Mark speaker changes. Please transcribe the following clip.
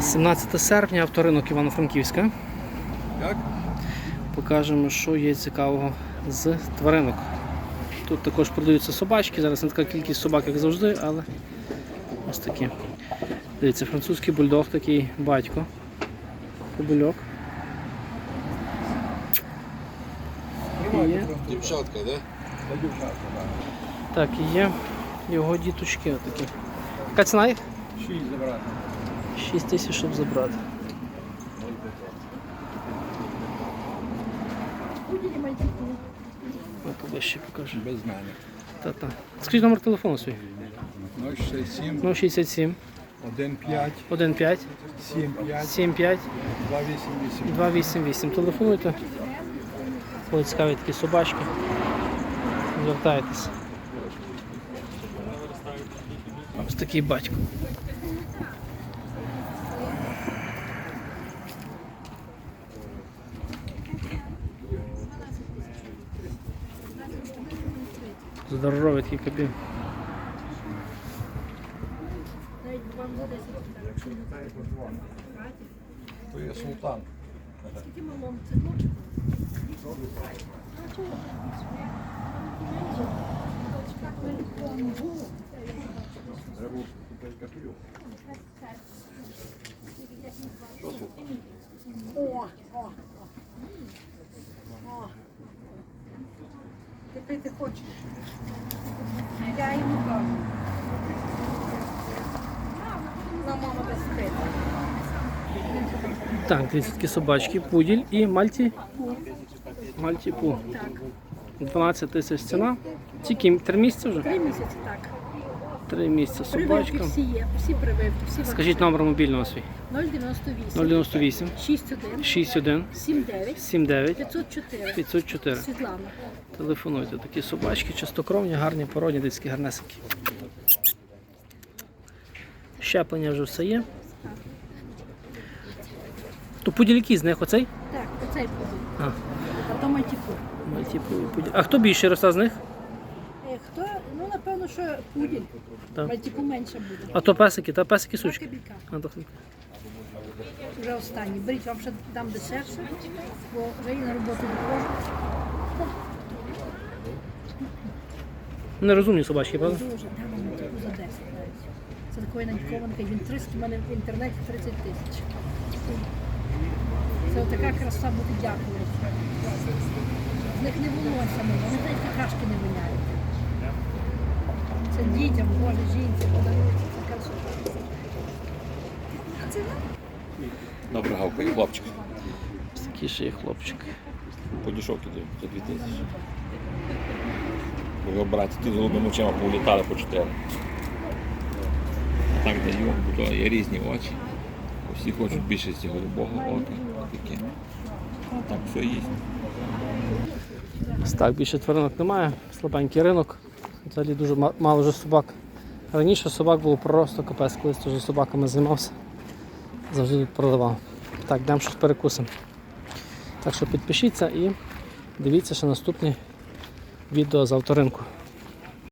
Speaker 1: 17 серпня, авторинок Івано-Франківська. Покажемо, що є цікавого з тваринок. Тут також продаються собачки, зараз не така кількість собак, як завжди, але ось такі. Дивіться, французький бульдог, такий батько, кобильок.
Speaker 2: Дівчатка, да?
Speaker 1: Так, і є його діточки отакі. Яка ціна їх?
Speaker 2: 6 забрати.
Speaker 1: 6 тисяч, щоб забрати. Ось ще покажу.
Speaker 2: Без мене.
Speaker 1: Та-та. Скажіть номер телефону свій.
Speaker 2: 067
Speaker 1: 067
Speaker 2: 15
Speaker 1: 15
Speaker 2: 75
Speaker 1: 75
Speaker 2: 288.
Speaker 1: 288. Телефонуйте. Коли цікаві такі собачки. Звертайтеся. Ось такий батько. Здоровий такий кабін.
Speaker 2: То є султан.
Speaker 3: Скільки малому? Ти пити хочеш? Я йому кажу. На мама без пити.
Speaker 1: Так, дивіться, такі собачки, пуділь і мальті. Мальті-пу.
Speaker 3: Так.
Speaker 1: 12 тисяч ціна. Тільки 3 місяці вже?
Speaker 3: 3 місяці так.
Speaker 1: 3 місяці
Speaker 3: Прививки
Speaker 1: собачка.
Speaker 3: всі є, всі прививки, всі
Speaker 1: Скажіть номер мобільного свій.
Speaker 3: 098
Speaker 1: 098
Speaker 3: 61
Speaker 1: 61
Speaker 3: 79
Speaker 1: 79
Speaker 3: 504.
Speaker 1: 504.
Speaker 3: Світлана.
Speaker 1: Телефонуйте. Такі собачки, чистокровні, гарні, породні, дитські гарнесенькі. Щеплення вже все є. То пуділь який з них оцей?
Speaker 3: Так, оцей буде.
Speaker 1: А,
Speaker 3: А то мальтіпу.
Speaker 1: мальтіпу і пуділь. А хто більше росте з них?
Speaker 3: Хто? Ну, напевно, що пуділь.
Speaker 1: Так.
Speaker 3: Мальтіпу менше буде.
Speaker 1: А то песики, та песики сучки.
Speaker 3: Кабілька.
Speaker 1: А, то...
Speaker 3: Вже останні. Беріть, вам ще дам дешевше, бо вже і на роботу виходжу.
Speaker 1: Нерозумні собачки, правда?
Speaker 3: Дуже, дам вам таку за 10 навіть. Це такої надькованки, він 300, в мене в інтернеті 30 тисяч. Це отака краса буде, дякую. З них не волосся мило, вони навіть какашки не виняють. Це дітям, Боже, жінці подарується, це красота. А це
Speaker 2: Добре, гавкає, хлопчик.
Speaker 1: Ось такий ще є хлопчик.
Speaker 2: Подішок іде за 2000. Бо його брати ті з голубими очима повлітали по 4. А так даю, бо то є різні очі. Всі хочуть більшості голубого ока. Таке. А так все їсть.
Speaker 1: Ось так, більше тваринок немає, слабенький ринок. Взагалі дуже мало вже собак. Раніше собак було просто капець, колись теж собаками займався. Завжди тут продавав. Так, йдемо щось перекусимо. Так що підпишіться і дивіться ще наступні відео з авторинку.